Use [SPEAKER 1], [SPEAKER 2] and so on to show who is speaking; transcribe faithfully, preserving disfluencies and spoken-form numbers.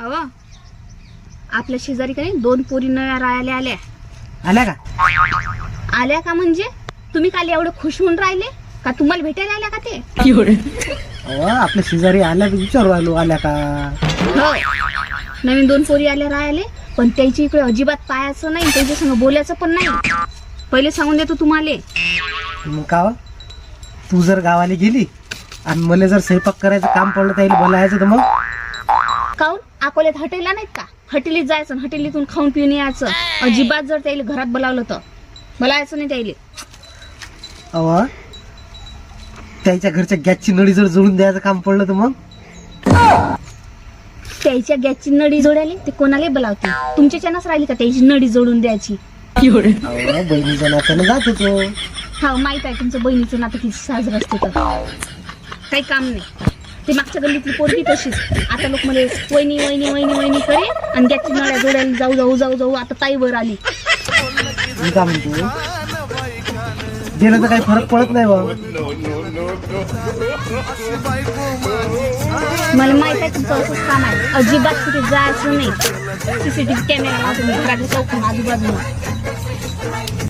[SPEAKER 1] हो आपल्या शेजारी काही दोन पोरी नव्या राहायला आल्या
[SPEAKER 2] आल्या का?
[SPEAKER 1] आल्या का म्हणजे तुम्ही काल एवढं खुश होऊन राहिले का? तुम्हाला भेटायला आल्या का ते?
[SPEAKER 2] अहो आपल्या शेजारी आल्या विचारू आलो आल्या का?
[SPEAKER 1] हो नवीन दोन पोरी आल्या राहिले पण त्याची इकडे अजिबात पायाचं नाही, त्यांच्या संग बोलायचं पण नाही. पहिले सांगून देतो तुम्हाला.
[SPEAKER 2] मग का हो? तू जर गावाला गेली आणि मला जर स्वयंपाक करायचं काम पडलं त्याला बोलायचं तर मग
[SPEAKER 1] काऊन अकोल्यात हॉटेलला नाहीत का? हॉटेलीत जायचं, हॉटेलीतून खाऊन पिऊन यायचं. अजिबात जर त्याला घरात बोलावलं तर बोलायचं नाही त्याला.
[SPEAKER 2] अहो त्याच्या घरच्या गॅसची नळी जर जोडून द्यायचं काम पडलं तर मग
[SPEAKER 1] त्याच्या गॅसची नळी जोडायला ते कोणाला बोलावते? तुमच्याच्यानंच राहिली का त्याची नळी जोडून द्यायची?
[SPEAKER 2] अहो बहिणीच्या नात्यानं जात होतो.
[SPEAKER 1] हा माहित आहे तुमचं बहिणीचं नातं किती साजरं असते तर काही काम नाही. ते मागच्या गल्लीतली पोरगी तशीच. आता लोक मला वहिनी वहिनी वहिनी वहिनी करे आणि गॅसची नळ्या जोडायला जाऊ जाऊ जाऊ जाऊ आता ताईवर आली.
[SPEAKER 2] मी का म्हणतो गेलं तर काही फरक पडत नाही बा.
[SPEAKER 1] मला माहित आहे तुमचं असंच काम आहे. अजिबात कुठे जायचं नाही. सीसीटीव्ही कॅमेरा लावतो मी घराच्या चौकात आजूबाजूला.